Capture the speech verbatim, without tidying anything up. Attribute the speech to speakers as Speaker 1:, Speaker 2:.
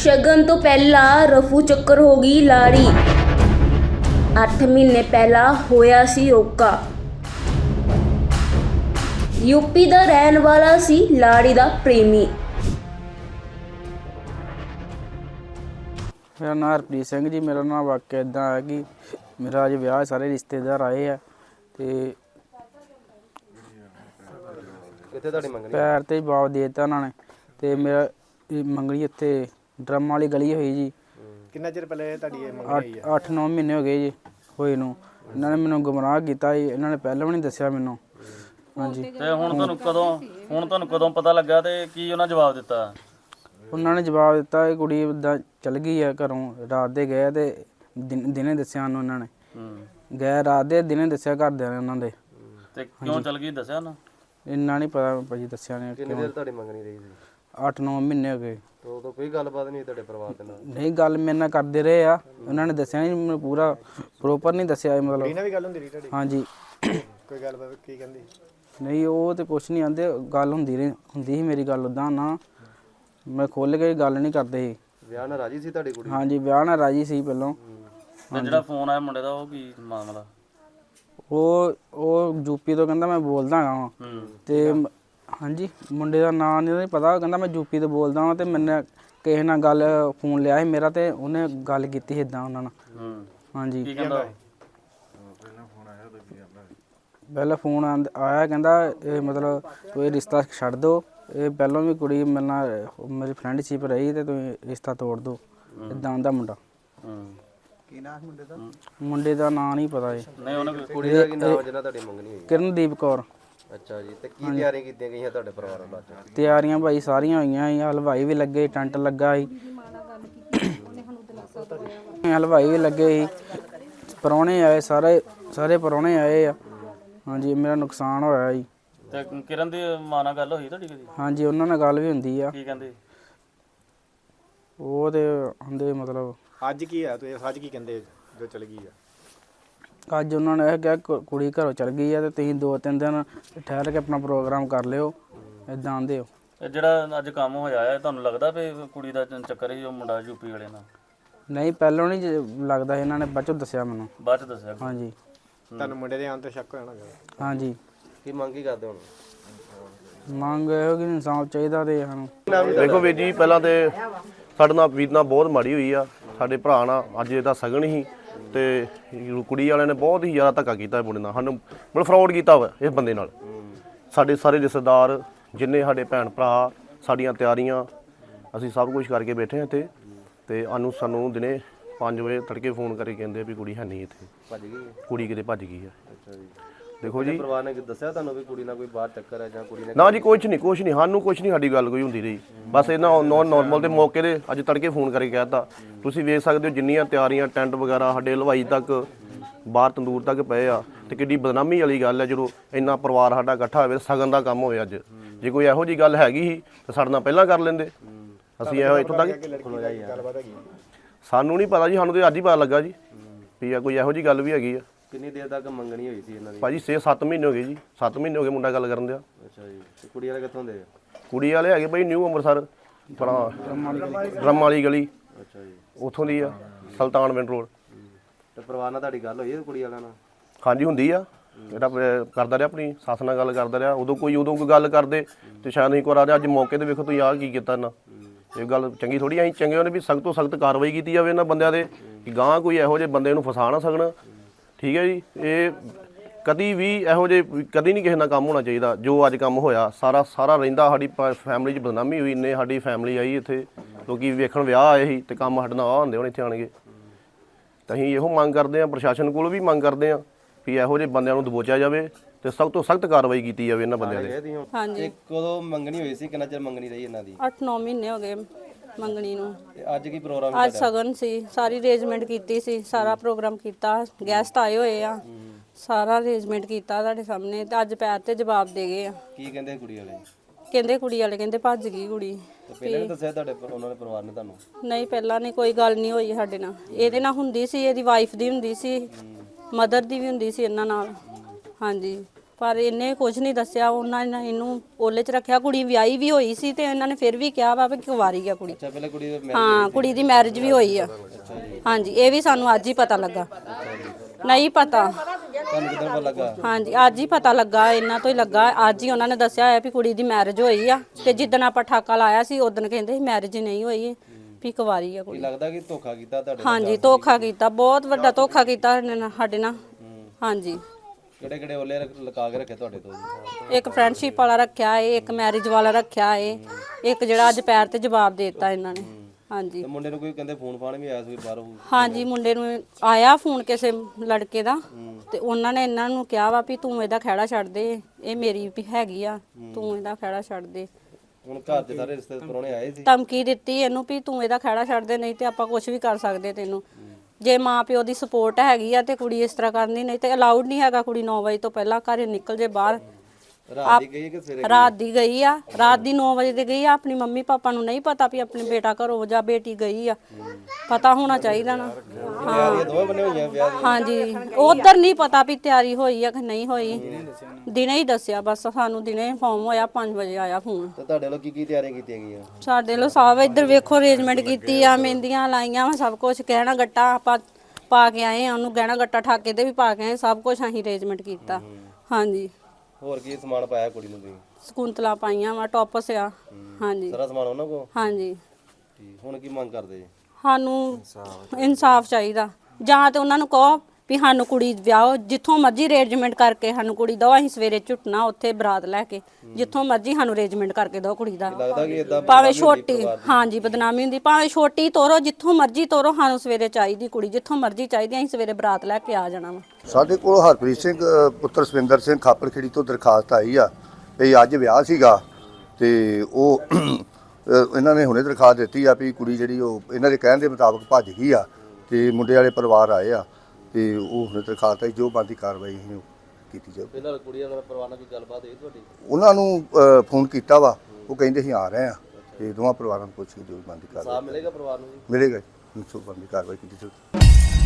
Speaker 1: ਸ਼ਗਨ ਤੋਂ ਪਹਿਲਾਂ ਰਫੂ ਚੱਕਰ ਹੋ ਗਈ ਲਾੜੀ। ਅੱਠ ਮਹੀਨੇ ਪਹਿਲਾਂ ਹੋਇਆ ਸੀ ਰੋਕਾ। ਯੂਪੀ ਦਾ ਰਹਿਣ ਵਾਲਾ ਸੀ ਲਾੜੀ ਦਾ ਪ੍ਰੇਮੀ।
Speaker 2: ਮੇਰਾ ਨਾਮ ਹਰਪ੍ਰੀਤ ਸਿੰਘ ਜੀ। ਮੇਰਾ ਨਾਮ ਵਾਕਿਆ ਇੱਦਾਂ ਹੈ ਕਿ ਮੇਰਾ ਅੱਜ ਵਿਆਹ, ਸਾਰੇ ਰਿਸ਼ਤੇਦਾਰ ਆਏ ਆ ਤੇ
Speaker 3: ਕਿੱਥੇ ਤੁਹਾਡੀ ਮੰਗਣੀ?
Speaker 2: ਪੈਰ ਤੇ ਜਵਾਬ ਦੇ ਦਿੱਤਾ ਉਹਨਾਂ ਨੇ ਤੇ ਮੇਰਾ ਇਹ ਮੰਗਣੀ ਇੱਥੇ ਡਰਮ ਵਾਲੀ ਗਲੀ ਹੋਈ ਜੀ।
Speaker 3: ਕਿੰਨਾ ਚਿਰ ਪਹਿਲੇ ਤੁਹਾਡੀ ਇਹ ਮੰਗਣੀ ਹੋਈ ਹੈ?
Speaker 2: ਅੱਠ ਨੌ ਮਹੀਨੇ ਹੋ ਗਏ ਜੀ ਹੋਏ ਨੂੰ। ਇਹਨਾਂ ਨੇ ਮੈਨੂੰ ਗੁੰਮਰਾਹ ਕੀਤਾ ਜੀ। ਇਹਨਾਂ ਨੇ ਪਹਿਲਾਂ ਵੀ ਨਹੀਂ ਦੱਸਿਆ ਮੈਨੂੰ। ਹਾਂਜੀ।
Speaker 4: ਤੇ ਹੁਣ ਤੁਹਾਨੂੰ ਕਦੋਂ ਹੁਣ ਤੁਹਾਨੂੰ ਕਦੋਂ ਪਤਾ ਲੱਗਾ ਤੇ ਕੀ ਉਹਨਾਂ ਜਵਾਬ ਦਿੱਤਾ?
Speaker 2: ਉਹਨਾਂ ਨੇ ਜਵਾਬ ਦਿੱਤਾ ਇਹ ਕੁੜੀ ਇੱਦਾਂ ਚਲ ਗਈ ਆ ਘਰੋਂ। ਰਾਤ ਦੇ ਗਏ ਤੇ ਦਿਨ- ਦਿਨੇ ਦੱਸਿਆ ਉਹਨੂੰ ਉਹਨਾਂ ਨੇ।
Speaker 4: ਹੂੰ।
Speaker 2: ਗਏ ਰਾਤ ਦੇ, ਦਿਨੇ ਦੱਸਿਆ ਘਰਦਿਆਂ ਨੇ ਉਹਨਾਂ ਦੇ।
Speaker 4: ਤੇ ਕਿਉਂ ਚਲ ਗਈ ਦੱਸਿਆ ਨਾ?
Speaker 2: ਇੰਨਾ ਨਹੀਂ ਪਤਾ ਭਾਜੀ, ਦੱਸਿਆ ਨੇ।
Speaker 3: ਕਿੰਨੀ ਦੇਰ ਤੁਹਾਡੀ ਮੰਗਣੀ ਰਹੀ ਸੀ?
Speaker 2: ਅੱਠ ਨੌ ਮਹੀਨੇ ਹੋ ਗਏ।
Speaker 3: ਤੇ ਉਦੋਂ ਕੋਈ ਗੱਲਬਾਤ ਨਹੀਂ ਤੁਹਾਡੇ ਪਰਿਵਾਰ ਦੇ ਨਾਲ?
Speaker 2: ਨਹੀਂ, ਗੱਲ ਮੇਰੇ ਨਾਲ ਕਰਦੇ ਰਹੇ ਆ। ਉਹਨਾਂ ਨੇ ਦੱਸਿਆ ਨਹੀਂ ਮੈਨੂੰ, ਪੂਰਾ ਪ੍ਰੋਪਰ ਨਹੀਂ ਦੱਸਿਆ ਮਤਲਬ।
Speaker 3: ਇਹਨਾਂ ਵੀ ਗੱਲ ਹੁੰਦੀ ਰਹੀ ਤੁਹਾਡੀ?
Speaker 2: ਹਾਂਜੀ।
Speaker 3: ਕੋਈ ਗੱਲਬਾਤ ਕੀ ਕਹਿੰਦੀ?
Speaker 2: ਨਹੀਂ, ਉਹ ਤੇ ਕੁਛ ਨਹੀਂ ਆਂਦੇ। ਗੱਲ ਹੁੰਦੀ ਰਹੀ ਹੁੰਦੀ ਸੀ ਮੇਰੀ ਗੱਲ ਉੱਦਾਂ ਨਾ। ਮੈਂ ਖੁੱਲ੍ਹ ਕੇ ਗੱਲ ਨਹੀਂ ਕਰਦੇ ਸੀ।
Speaker 3: ਵਿਆਹ ਨਾਲ ਰਾਜੀ ਸੀ ਤੁਹਾਡੀ ਕੁੜੀ?
Speaker 2: ਹਾਂਜੀ, ਵਿਆਹ ਨਾਲ ਰਾਜੀ ਸੀ ਪਹਿਲਾਂ।
Speaker 4: ਤੇ ਜਿਹੜਾ ਫੋਨ ਆਇਆ ਮੁੰਡੇ ਦਾ ਉਹ ਕੀ ਮਾਮਲਾ?
Speaker 2: ਉਹ ਉਹ ਯੂਪੀ ਤੋਂ ਕਹਿੰਦਾ ਮੈਂ ਬੋਲਦਾ ਹਾਂ
Speaker 4: ਹੂੰ।
Speaker 2: ਤੇ ਮ- ਹਾਂਜੀ, ਮੁੰਡੇ ਦਾ ਨਾਂ ਨਹੀਂ ਪਤਾ। ਕਹਿੰਦਾ ਮੈਂ ਯੂਪੀ ਤੋਂ ਬੋਲਦਾ ਹਾਂ ਤੇ ਮੈਨੇ ਕਿਸੇ ਨਾਲ ਗੱਲ ਫੋਨ ਲਿਆ ਸੀ ਮੇਰਾ ਤੇ ਉਹਨੇ ਗੱਲ ਕੀਤੀ ਸੀ ਇੱਦਾਂ ਉਹਨਾਂ ਨਾਲ।
Speaker 4: ਹੂੰ।
Speaker 2: ਹਾਂਜੀ।
Speaker 4: ਕੀ ਕਹਿੰਦਾ?
Speaker 2: ਪਹਿਲਾਂ ਫੋਨ ਆਇਆ, ਕਹਿੰਦਾ ਇਹ ਮਤਲਬ ਤੂੰ ਇਹ ਰਿਸ਼ਤਾ ਛੱਡ ਦੋ। ਇਹ ਪਹਿਲਾਂ ਵੀ ਕੁੜੀ ਮੇਰੇ ਨਾਲ ਮੇਰੀ ਫਰੈਂਡਸ਼ਿਪ ਰਹੀ ਤੇ ਤੂੰ ਰਿਸ਼ਤਾ ਤੋੜ ਦੋ। ਇੱਦਾਂ ਦਾ ਮੁੰਡਾ।
Speaker 4: ਹੂੰ।
Speaker 3: ਕੀ ਨਾਮ ਮੁੰਡੇ ਦਾ?
Speaker 2: ਮੁੰਡੇ ਦਾ ਨਾਂ ਨਹੀਂ ਪਤਾ ਜੀ।
Speaker 4: ਨਹੀਂ ਉਹਨੇ
Speaker 3: ਕੁੜੀ ਦਾ ਕੀ ਨਾਮ ਜਿਹਨਾਂ ਤੁਹਾਡੀ ਮੰਗਣੀ ਹੋਈ?
Speaker 2: ਕਿਰਨਦੀਪ ਕੌਰ।
Speaker 3: ਅੱਛਾ ਜੀ। ਤੇ ਕੀ ਤਿਆਰੀਆਂ ਕੀਤੀਆਂ ਗਈਆਂ ਤੁਹਾਡੇ ਪਰਿਵਾਰ ਵੱਲੋਂ ਅੱਜ?
Speaker 2: ਤਿਆਰੀਆਂ ਭਾਈ ਸਾਰੀਆਂ ਹੋਈਆਂ ਸੀ। ਹਲਵਾਈ ਵੀ ਲੱਗੇ, ਟੈਂਟ ਲੱਗਾ ਸੀ। ਹਲਵਾਈ ਵੀ ਲੱਗੇ ਸੀ, ਪ੍ਰਾਹੁਣੇ ਆਏ, ਸਾਰੇ ਸਾਰੇ ਪ੍ਰਾਹੁਣੇ ਆਏ ਆ। ਹਾਂਜੀ, ਮੇਰਾ ਨੁਕਸਾਨ ਹੋਇਆ ਜੀ।
Speaker 4: ਤੇ ਕਿਰਨ ਦੀ ਮਾਂ ਨਾਲ ਗੱਲ ਹੋਈ ਤੁਹਾਡੀ ਕਦੀ?
Speaker 2: ਹਾਂਜੀ, ਉਹਨਾਂ ਨਾਲ ਗੱਲ ਵੀ ਹੁੰਦੀ ਆ।
Speaker 4: ਕੀ ਕਹਿੰਦੇ?
Speaker 2: ਉਹ ਤੇ ਹੁੰਦੇ ਮਤਲਬ
Speaker 3: ਅੱਜ ਕੀ ਆ ਤੁਸੀਂ ਅੱਜ ਕੀ ਕਹਿੰਦੇ ਜੋ ਚਲ ਗਈ ਆ?
Speaker 2: ਅੱਜ ਉਹਨਾਂ ਨੇ ਇਹ ਕਿਹਾ ਕੁ- ਕੁੜੀ ਘਰੋਂ ਚਲ ਗਈ ਆ ਤੇ ਤੁਸੀਂ ਦੋ ਤਿੰਨ ਦਿਨ ਠਹਿਰ ਕੇ ਆਪਣਾ ਪ੍ਰੋਗਰਾਮ ਕਰ ਲਿਓ। ਇਦਾਂ ਆਂਦੇ ਹੋ।
Speaker 4: ਤੇ ਜਿਹੜਾ ਅੱਜ ਕੰਮ ਹੋਇਆ ਹੈ ਤੁਹਾਨੂੰ ਲੱਗਦਾ ਵੀ ਕੁੜੀ ਦਾ ਚੱਕਰ ਹੀ ਉਹ ਮੁੰਡਾ ਯੂਪੀ ਵਾਲੇ ਨਾਲ?
Speaker 2: ਨਹੀਂ, ਪਹਿਲਾਂ ਨਹੀਂ ਲੱਗਦਾ। ਇਹਨਾਂ ਨੇ ਬਾਅਦ ਚੋਂ ਦੱਸਿਆ ਮੈਨੂੰ।
Speaker 4: ਬਾਅਦ ਚ ਦੱਸਿਆ?
Speaker 2: ਹਾਂਜੀ।
Speaker 3: ਤੁਹਾਨੂੰ ਮੁੰਡੇ ਦੇ ਆਉਣ ਤੇ ਸ਼ੱਕ ਹੋਇਆ ਨਾ?
Speaker 2: ਹਾਂਜੀ।
Speaker 3: ਕੀ ਮੰਗ ਕੀ ਕਰਦੇ ਹੁਣ?
Speaker 2: ਮੰਗ ਇਹੋ ਕਿ ਇਨਸਾਫ ਚਾਹੀਦਾ ਤੇ ਸਾਨੂੰ।
Speaker 5: ਦੇਖੋ ਵੀਰ ਜੀ, ਪਹਿਲਾਂ ਤੇ ਸਾਡੇ ਨਾਲ ਵੀਰ ਨਾਲ ਬਹੁਤ ਮਾੜੀ ਹੋਈ ਆ। ਸਾਡੇ ਭਰਾ ਨਾਲ ਅੱਜ ਇਹਦਾ ਸਗਨ ਸੀ ਤੇ ਕੁੜੀ ਵਾਲਿਆਂ ਨੇ ਬਹੁਤ ਹੀ ਜ਼ਿਆਦਾ ਧੱਕਾ ਕੀਤਾ ਇਹ ਮੁੰਡੇ ਨਾਲ। ਸਾਨੂੰ ਮਤਲਬ ਫਰਾਡ ਕੀਤਾ ਵਾ ਇਸ ਬੰਦੇ ਨਾਲ। ਸਾਡੇ ਸਾਰੇ ਰਿਸ਼ਤੇਦਾਰ ਜਿੰਨੇ ਸਾਡੇ ਭੈਣ ਭਰਾ, ਸਾਡੀਆਂ ਤਿਆਰੀਆਂ ਅਸੀਂ ਸਭ ਕੁਝ ਕਰਕੇ ਬੈਠੇ ਹਾਂ ਇੱਥੇ ਤੇ ਸਾਨੂੰ ਸਾਨੂੰ ਦਿਨੇ ਪੰਜ ਵਜੇ ਤੜਕੇ ਫੋਨ ਕਰਕੇ ਕਹਿੰਦੇ ਵੀ ਕੁੜੀ ਹੈ ਨਹੀਂ ਇੱਥੇ,
Speaker 3: ਭੱਜ ਗਈ?
Speaker 5: ਕੁੜੀ ਕਿਤੇ ਭੱਜ ਗਈ ਆ।
Speaker 3: ਅੱਛਾ ਜੀ।
Speaker 5: ਦੇਖੋ ਜੀ,
Speaker 3: ਪਰਿਵਾਰ ਨੇ ਦੱਸਿਆ ਤੁਹਾਨੂੰ ਵੀ ਕੁੜੀ ਨਾਲ ਕੋਈ ਬਾਹਰ ਚੱਕਰ ਹੈ ਜਾਂ ਕੁੜੀ ਨੇ?
Speaker 5: ਨਾ ਜੀ, ਕੁਛ ਨਹੀਂ ਕੁਛ ਨਹੀਂ ਸਾਨੂੰ ਕੁਛ ਨਹੀਂ ਸਾਡੀ ਗੱਲ ਕੋਈ ਹੁੰਦੀ ਰਹੀ। ਬਸ ਇਹਨਾਂ ਨੌਨ ਨੋਰਮਲ ਦੇ ਮੌਕੇ ਦੇ ਅੱਜ ਤੜਕੇ ਫੋਨ ਕਰਕੇ ਕਹਿਤਾ। ਤੁਸੀਂ ਵੇਖ ਸਕਦੇ ਹੋ ਜਿੰਨੀਆਂ ਤਿਆਰੀਆਂ, ਟੈਂਟ ਵਗੈਰਾ ਸਾਡੇ ਹਲਵਾਈ ਤੱਕ ਬਾਹਰ ਤੰਦੂਰ ਤੱਕ ਪਏ ਆ। ਤੇ ਕਿੱਡੀ ਬਦਨਾਮੀ ਵਾਲੀ ਗੱਲ ਹੈ ਜਦੋਂ ਇੰਨਾ ਪਰਿਵਾਰ ਸਾਡਾ ਇਕੱਠਾ ਹੋਵੇ, ਸਗਨ ਦਾ ਕੰਮ ਹੋਵੇ ਅੱਜ। ਜੇ ਕੋਈ ਇਹੋ ਜਿਹੀ ਗੱਲ ਹੈਗੀ ਸੀ ਤਾਂ ਸਾਡੇ ਨਾਲ ਪਹਿਲਾਂ ਕਰ ਲੈਂਦੇ। ਅਸੀਂ ਇਹੋ ਇੱਥੋਂ ਤੱਕ
Speaker 3: ਗੱਲਬਾਤ ਹੈਗੀ?
Speaker 5: ਸਾਨੂੰ ਨਹੀਂ ਪਤਾ ਜੀ, ਸਾਨੂੰ ਤੇ ਅੱਜ ਹੀ ਪਤਾ ਲੱਗਾ ਜੀ ਵੀ ਆ ਕੋਈ ਇਹੋ ਜਿਹੀ ਗੱਲ ਵੀ ਹੈਗੀ ਆ।
Speaker 3: ਕਿੰਨੀ ਦੇਰ ਤੱਕ ਮੰਗਣੀ ਹੋਈ ਸੀ ਇਹਨਾਂ ਦੀ?
Speaker 5: ਭਾਜੀ ਛੇ ਸੱਤ ਮਹੀਨੇ ਹੋ ਗਏ ਜੀ। ਸੱਤ ਮਹੀਨੇ ਹੋ ਗਏ ਮੁੰਡਾ ਗੱਲ ਕਰਨ ਦਿਆ।
Speaker 3: ਅੱਛਾ ਜੀ। ਤੇ ਕੁੜੀ ਵਾਲੇ ਕਿੱਥੋਂ ਦੇ?
Speaker 5: ਕੁੜੀ ਵਾਲੇ ਹੈਗੇ ਭਾਈ ਨਿਊ ਅੰਮ੍ਰਿਤਸਰ, ਆਪਣਾ ਡਰਮ ਵਾਲੀ ਗਲੀ,
Speaker 3: ਅੱਛਾ ਜੀ।
Speaker 5: ਉੱਥੋਂ ਦੀ ਆ, ਸੁਲਤਾਨਵਿੰਡ ਰੋਡ।
Speaker 3: ਤੇ ਪਰਿਵਾਰ ਨਾਲ ਤੁਹਾਡੀ ਗੱਲ ਹੋਈ ਹੈ ਕੁੜੀ ਵਾਲਿਆਂ ਨਾਲ?
Speaker 5: ਹਾਂਜੀ, ਹੁੰਦੀ ਆ। ਜਿਹੜਾ ਪ- ਕਰਦਾ ਰਿਹਾ, ਆਪਣੀ ਸੱਸ ਨਾਲ ਗੱਲ ਕਰਦਾ ਰਿਹਾ। ਉਦੋਂ ਕੋਈ ਉਦੋਂ ਕੋਈ ਗੱਲ ਕਰਦੇ ਤੇ ਸ਼ਾਇਦ ਨਹੀਂ ਕਰਾ ਰਿਹਾ। ਅੱਜ ਮੌਕੇ ਤੇ ਵੇਖੋ ਤੁਸੀਂ ਆਹ ਕੀ ਕੀਤਾ ਨਾ। ਇਹ ਗੱਲ ਚੰਗੀ ਥੋੜੀ। ਅਸੀਂ ਚੰਗੇ ਉਹਨੇ ਵੀ ਸਖਤ ਤੋਂ ਸਖਤ ਕਾਰਵਾਈ ਕੀਤੀ ਜਾਵੇ ਇਹਨਾਂ ਬੰਦਿਆਂ ਦੇ ਕਿ ਗਾਂ ਕੋਈ ਇਹੋ ਜਿਹੇ ਬੰਦੇ ਨੂੰ ਫਸਾ ਨਾ ਸਕਣ। ਠੀਕ ਹੈ ਜੀ। ਇਹ ਕਦੀ ਵੀ ਇਹੋ ਜਿਹੇ ਕਦੀ ਨਹੀਂ ਕਿਸੇ ਨਾਲ ਕੰਮ ਹੋਣਾ ਚਾਹੀਦਾ ਜੋ ਅੱਜ ਕੰਮ ਹੋਇਆ। ਸਾਰਾ ਸਾਰਾ ਰਹਿੰਦਾ ਸਾਡੀ ਫੈਮਿਲੀ 'ਚ ਬਦਨਾਮੀ ਹੋਈ। ਇੰਨੇ ਸਾਡੀ ਫੈਮਿਲੀ ਆਈ ਇੱਥੇ, ਲੋਕੀ ਵੇਖਣ ਵਿਆਹ ਆਏ ਸੀ ਤੇ ਕੰਮ ਸਾਡੇ ਨਾਲ ਆਹ ਹੁੰਦੇ ਹੁਣ ਇੱਥੇ ਆਣਗੇ। ਤਾਂ ਅਸੀਂ ਇਹੋ ਮੰਗ ਕਰਦੇ ਹਾਂ, ਪ੍ਰਸ਼ਾਸਨ ਕੋਲ ਵੀ ਮੰਗ ਕਰਦੇ ਹਾਂ ਵੀ ਇਹੋ ਜਿਹੇ ਬੰਦਿਆਂ ਨੂੰ ਦਬੋਚਿਆ ਜਾਵੇ ਤੇ ਸਖਤ ਤੋਂ ਸਖਤ ਕਾਰਵਾਈ ਕੀਤੀ ਜਾਵੇ ਇਹਨਾਂ ਬੰਦਿਆਂ ਦੇ।
Speaker 6: ਹਾਂਜੀ।
Speaker 3: ਕਦੋਂ ਮੰਗਣੀ ਹੋਈ ਸੀ? ਕਿੰਨਾ ਚਿਰ ਮੰਗਣੀ ਰਹੀ ਇਹਨਾਂ ਦੀ?
Speaker 6: ਅੱਠ ਨੌ ਮਹੀਨੇ ਹੋ ਗਏ ਮੰਗਣੀ ਨੂੰ।
Speaker 3: ਤੇ ਅੱਜ ਕੀ ਪ੍ਰੋਗਰਾਮ?
Speaker 6: ਅੱਜ ਸਗਨ ਸੀ, ਸਾਰੀ ਅਰੇਂਜਮੈਂਟ ਕੀਤੀ ਸੀ, ਸਾਰਾ ਪ੍ਰੋਗਰਾਮ ਕੀਤਾ, ਗੈਸਟ ਆਏ ਹੋਏ ਆ, ਸਾਰਾ ਅਰੇਂਜਮੈਂਟ ਕੀਤਾ ਤੁਹਾਡੇ ਸਾਹਮਣੇ। ਤੇ ਅੱਜ ਪੈਰ ਤੇ ਜਵਾਬ ਦੇ ਗਏ ਆ।
Speaker 3: ਕੀ ਕਹਿੰਦੇ ਕੁੜੀ ਵਾਲੇ?
Speaker 6: ਕਹਿੰਦੇ ਕੁੜੀ ਵਾਲੇ ਕਹਿੰਦੇ ਭੱਜ ਗਈ ਕੁੜੀ।
Speaker 3: ਤੇ ਪਹਿਲਾਂ ਨਹੀਂ ਦੱਸਿਆ ਤੁਹਾਡੇ ਪਰ- ਉਹਨਾਂ ਦੇ ਪਰਿਵਾਰ ਨੇ ਤੁਹਾਨੂੰ?
Speaker 6: ਨਹੀਂ, ਪਹਿਲਾਂ ਨਹੀਂ ਕੋਈ ਗੱਲ ਨਹੀਂ ਹੋਈ ਸਾਡੇ ਨਾਲ। ਇਹਦੇ ਨਾਲ ਹੁੰਦੀ ਸੀ, ਇਹਦੀ ਵਾਈਫ ਦੀ ਹੁੰਦੀ ਸੀ, ਮਦਰ ਦੀ ਵੀ ਹੁੰਦੀ ਸੀ ਇਹਨਾਂ ਨਾਲ। ਹਾਂਜੀ। ਪਰ ਇਹਨੇ ਕੁਝ ਨਹੀਂ ਦੱਸਿਆ। ਉਹਨਾਂ ਨੇ ਇਹਨੂੰ ਓਲੇ 'ਚ ਰੱਖਿਆ। ਕੁੜੀ ਵਿਆਹੀ ਵੀ ਹੋਈ ਸੀ ਤੇ ਇਹਨਾਂ ਨੇ ਫਿਰ ਵੀ ਕਿਹਾ ਵਾ ਵੀ ਕੁਵਾਰੀ ਆ ਕੁੜੀ।
Speaker 4: ਅੱਛਾ, ਪਹਿਲਾਂ ਕੁੜੀ ਦੇ
Speaker 6: ਹਾਂ, ਕੁੜੀ ਦੀ ਮੈਰਿਜ ਵੀ ਹੋਈ ਆ। ਹਾਂਜੀ, ਇਹ ਵੀ ਸਾਨੂੰ ਅੱਜ ਹੀ ਪਤਾ ਲੱਗਾ। ਨਹੀਂ ਪਤਾ।
Speaker 4: ਤੁਹਾਨੂੰ ਕਿੱਦਾਂ ਪਤਾ ਲੱਗਾ?
Speaker 6: ਹਾਂਜੀ, ਅੱਜ ਹੀ ਪਤਾ ਲੱਗਾ, ਇਹਨਾਂ ਤੋਂ ਹੀ ਲੱਗਾ। ਅੱਜ ਹੀ ਉਹਨਾਂ ਨੇ ਦੱਸਿਆ ਹੈ ਵੀ ਕੁੜੀ ਦੀ ਮੈਰਿਜ ਹੋਈ ਆ ਤੇ ਜਿੱਦਣ ਆਪਾਂ ਠਾਕਾ ਲਾਇਆ ਸੀ ਉਦੋਂ ਕਹਿੰਦੇ ਸੀ ਮੈਰਿਜ ਨਹੀਂ ਹੋਈ ਵੀ ਕੁਵਾਰੀ ਆ ਕੁੜੀ।
Speaker 4: ਲੱਗਦਾ ਕਿ ਧੋਖਾ ਕੀਤਾ ਤੁਹਾਡੇ
Speaker 6: ਹਾਂਜੀ, ਧੋਖਾ ਕੀਤਾ, ਬਹੁਤ ਵੱਡਾ ਧੋਖਾ ਕੀਤਾ ਇਹਨੇ ਨਾਲ- ਸਾਡੇ ਨਾਲ। ਹਾਂਜੀ,
Speaker 4: ਕਿਹੜੇ ਕਿਹੜੇ ਓਲੇ ਲਗਾ ਕੇ ਰੱਖੇ ਤੁਹਾਡੇ ਤੋਂ ਜੀ?
Speaker 6: ਇੱਕ ਫਰੈਂਡਸ਼ਿਪ ਵਾਲਾ ਰੱਖਿਆ ਏ, ਇੱਕ ਮੈਰਿਜ ਵਾਲਾ ਰੱਖਿਆ ਏ, ਇੱਕ ਜਿਹੜਾ ਅੱਜ ਪੈਰ ਤੇ ਜਵਾਬ ਦੇ ਦਿੱਤਾ ਇਹਨਾਂ ਨੇ। ਹਾਂਜੀ,
Speaker 4: ਤੇ ਮੁੰਡੇ ਨੂੰ ਕੋਈ ਕਹਿੰਦੇ ਫੋਨ ਫਾਨ ਵੀ ਆਇਆ ਸੀ ਬਾਹਰੋਂ?
Speaker 6: ਹਾਂਜੀ, ਮੁੰਡੇ ਨੂੰ ਆਇਆ ਫੋਨ ਕਿਸੇ ਲੜਕੇ ਦਾ ਤੇ ਉਹਨਾਂ ਨੇ ਇਹਨਾਂ ਨੂੰ ਕਿਹਾ ਵਾ ਵੀ ਤੂੰ ਇਹਦਾ ਖਹਿੜਾ ਛੱਡ ਦੇ, ਇਹ ਮੇਰੀ ਵੀ ਹੈਗੀ ਆ, ਤੂੰ ਇਹਦਾ ਖਹਿੜਾ ਛੱਡ ਦੇ।
Speaker 4: ਹੁਣ ਘਰ ਦੇ ਸਾਰੇ ਰਿਸ਼ਤੇ ਪਰੋਣੇ ਆਏ ਸੀ?
Speaker 6: ਧਮਕੀ ਦਿੱਤੀ ਇਹਨੂੰ ਵੀ ਤੂੰ ਇਹਦਾ ਖਹਿੜਾ ਛੱਡ ਦੇ, ਨਹੀਂ ਤੇ ਆਪਾਂ ਕੁਝ ਵੀ ਕਰ ਸਕਦੇ ਤੈਨੂੰ। ਜੇ ਮਾਂ ਪਿਓ ਦੀ ਸਪੋਰਟ ਹੈਗੀ ਆ ਤੇ ਕੁੜੀ ਇਸ ਤਰ੍ਹਾਂ ਕਰਨੀ, ਨਹੀਂ ਤੇ ਅਲਾਉਡ ਨਹੀਂ ਹੈਗਾ ਕੁੜੀ ਨੌ ਵਜੇ ਤੋਂ ਪਹਿਲਾਂ ਘਰ ਨਿਕਲ ਜੇ ਬਾਹਰ।
Speaker 4: ਰਾਤ ਦੀ ਗਈ ਕਿ ਸਵੇਰੇ?
Speaker 6: ਰਾਤ ਦੀ ਗਈ ਆ, ਰਾਤ ਦੀ ਨੌ ਵਜੇ ਤੇ ਗਈ ਆ। ਆਪਣੀ ਮੰਮੀ ਪਾਪਾ ਨੂੰ ਨਹੀਂ ਪਤਾ ਵੀ ਆਪਣੀ ਬੇਟਾ ਘਰੋਂ ਜਾਂ ਬੇਟੀ ਗਈ ਆ, ਪਤਾ ਹੋਣਾ ਚਾਹੀਦਾ ਨਾ।
Speaker 4: ਤਿਆਰੀਆਂ ਦੋਵੇਂ ਬਣੇ ਹੋਈਆਂ ਵਿਆਹ ਦੀਆਂ?
Speaker 6: ਹਾਂਜੀ, ਉਧਰ ਨਹੀਂ ਪਤਾ ਵੀ ਤਿਆਰੀ ਹੋਈ ਆ ਕਿ ਨਹੀਂ ਹੋਈ, ਦਿਨੇ ਹੀ ਦੱਸਿਆ ਬਸ ਸਾਨੂੰ। ਦਿਨੇ ਫੋਨ ਹੋਇਆ, ਪੰਜ ਵਜੇ ਆਇਆ ਫੋਨ।
Speaker 4: ਤੇ ਤੁਹਾਡੇ ਵੱਲੋਂ ਕੀ ਕੀ ਤਿਆਰੀਆਂ ਕੀਤੀਆਂ ਗਈਆਂ?
Speaker 6: ਸਾਡੇ ਲੋ ਸਾਹਿਬ ਇੱਧਰ ਵੇਖੋ ਅਰੇਂਜਮੈਂਟ ਕੀਤੀ ਆ, ਮਹਿੰਦੀਆਂ ਲਾਈਆਂ ਵਾ, ਸਭ ਕੁਝ। ਗਹਿਣਾ ਗੱਟਾ ਆਪਾਂ ਪਾ ਕੇ ਆਏ ਆ, ਉਹਨੂੰ ਗਹਿਣਾ ਗੱਟਾ ਠਾਕੇ ਤੇ ਵੀ ਪਾ ਕੇ ਆਏ, ਸਭ ਕੁਝ ਅਸੀਂ ਅਰੇਂਜਮੈਂਟ ਕੀਤਾ। ਹਾਂਜੀ,
Speaker 4: ਹੋਰ ਕੀ ਸਮਾਨ ਪਾਇਆ ਕੁੜੀ ਨੂੰ ਤੁਸੀਂ?
Speaker 6: ਸਕੁੰਤਲਾ ਪਾਈਆਂ ਵਾ, ਟੌਪਸ ਆ। ਹਾਂਜੀ
Speaker 4: ਸਾਰਾ ਸਮਾਨ ਉਹਨਾਂ ਕੋਲ?
Speaker 6: ਹਾਂਜੀ।
Speaker 4: ਠੀਕ, ਹੁਣ ਕੀ ਮੰਗ ਕਰਦੇ ਜੀ?
Speaker 6: ਸਾਨੂੰ ਇਨਸਾਫ ਚਾਹੀਦਾ, ਜਾਂ ਤੇ ਉਹਨਾਂ ਨੂੰ ਕਹੋ ਵੀ ਸਾਨੂੰ ਕੁੜੀ ਵਿਆਹੋ, ਜਿੱਥੋਂ ਮਰਜ਼ੀ ਅਰੇਂਜਮੈਂਟ ਕਰਕੇ ਸਾਨੂੰ ਕੁੜੀ ਦਿਓ, ਅਸੀਂ ਸਵੇਰੇ ਝੁੱਟਣਾ ਉੱਥੇ ਬਰਾਤ ਲੈ ਕੇ, ਜਿੱਥੋਂ ਮਰਜ਼ੀ ਸਾਨੂੰ ਅਰੇਂਜਮੈਂਟ ਕਰਕੇ ਦਿਓ ਕੁੜੀ ਦਾ।
Speaker 4: ਲੱਗਦਾ ਕਿ ਇਦਾਂ
Speaker 6: ਭਾਵੇਂ ਛੋਟੀ, ਹਾਂਜੀ, ਬਦਨਾਮੀ ਹੁੰਦੀ, ਭਾਵੇਂ ਛੋਟੀ ਤੋਰੋ, ਜਿੱਥੋਂ ਮਰਜ਼ੀ ਤੋਰੋ, ਸਾਨੂੰ ਸਵੇਰੇ ਚਾਹੀਦੀ ਕੁੜੀ, ਜਿੱਥੋਂ ਮਰਜ਼ੀ ਚਾਹੀਦੀ, ਅਸੀਂ ਸਵੇਰੇ ਬਰਾਤ ਲੈ ਕੇ ਆ ਜਾਣਾ ਵਾ।
Speaker 7: ਸਾਡੇ ਕੋਲ ਹਰਪ੍ਰੀਤ ਸਿੰਘ ਅ, ਪੁੱਤਰ ਸਵਿੰਦਰ ਸਿੰਘ ਖਾਪਰਖੇੜੀ ਤੋਂ ਦਰਖਾਸਤ ਆਈ ਆ ਵੀ ਅੱਜ ਵਿਆਹ ਸੀਗਾ ਤੇ ਉਹ ਅ, ਇਹਨਾਂ ਨੇ ਹੁਣੇ ਦਰਖਾਸਤ ਦਿੱਤੀ ਆ ਵੀ ਕੁੜੀ ਜਿਹੜੀ ਉਹ ਇਹਨਾਂ ਦੇ ਕਹਿਣ ਦੇ ਮੁਤਾਬਕ ਭੱਜ ਗਈ ਆ ਤੇ ਮੁੰਡੇ ਵਾਲੇ ਪਰਿਵਾਰ ਆਏ ਆ ਤੇ ਉਹ ਹੁਣੇ ਦਰਖਾਸਤ ਆਈ, ਜੋ ਬਣਦੀ ਕਾਰਵਾਈ ਅਸੀਂ ਕੀਤੀ ਜਾਊ।
Speaker 4: ਪਹਿਲਾਂ ਕੁੜੀ ਵਾਲਾ ਪਰਿਵਾਰ ਨਾਲ ਕੋਈ ਗੱਲਬਾਤ ਹੋਈ ਤੁਹਾਡੀ?
Speaker 7: ਉਹਨਾਂ ਨੂੰ ਅ, ਫੋਨ ਕੀਤਾ ਵਾ, ਉਹ ਕਹਿੰਦੇ ਅਸੀਂ ਆ ਰਹੇ ਆ ਤੇ ਦੋਵਾਂ ਪਰਿਵਾਰਾਂ ਨੂੰ ਪੁੱਛ ਕੇ ਜੋ ਬਣਦੀ ਕਾਰਵਾਈ
Speaker 4: ਸਾਥ ਮਿਲੇਗਾ ਪਰਿਵਾਰ ਨੂੰ ਜੀ?
Speaker 7: ਮਿਲੇਗਾ, ਜੋ ਬਣਦੀ ਕਾਰਵਾਈ ਕੀਤੀ ਜਾਊ।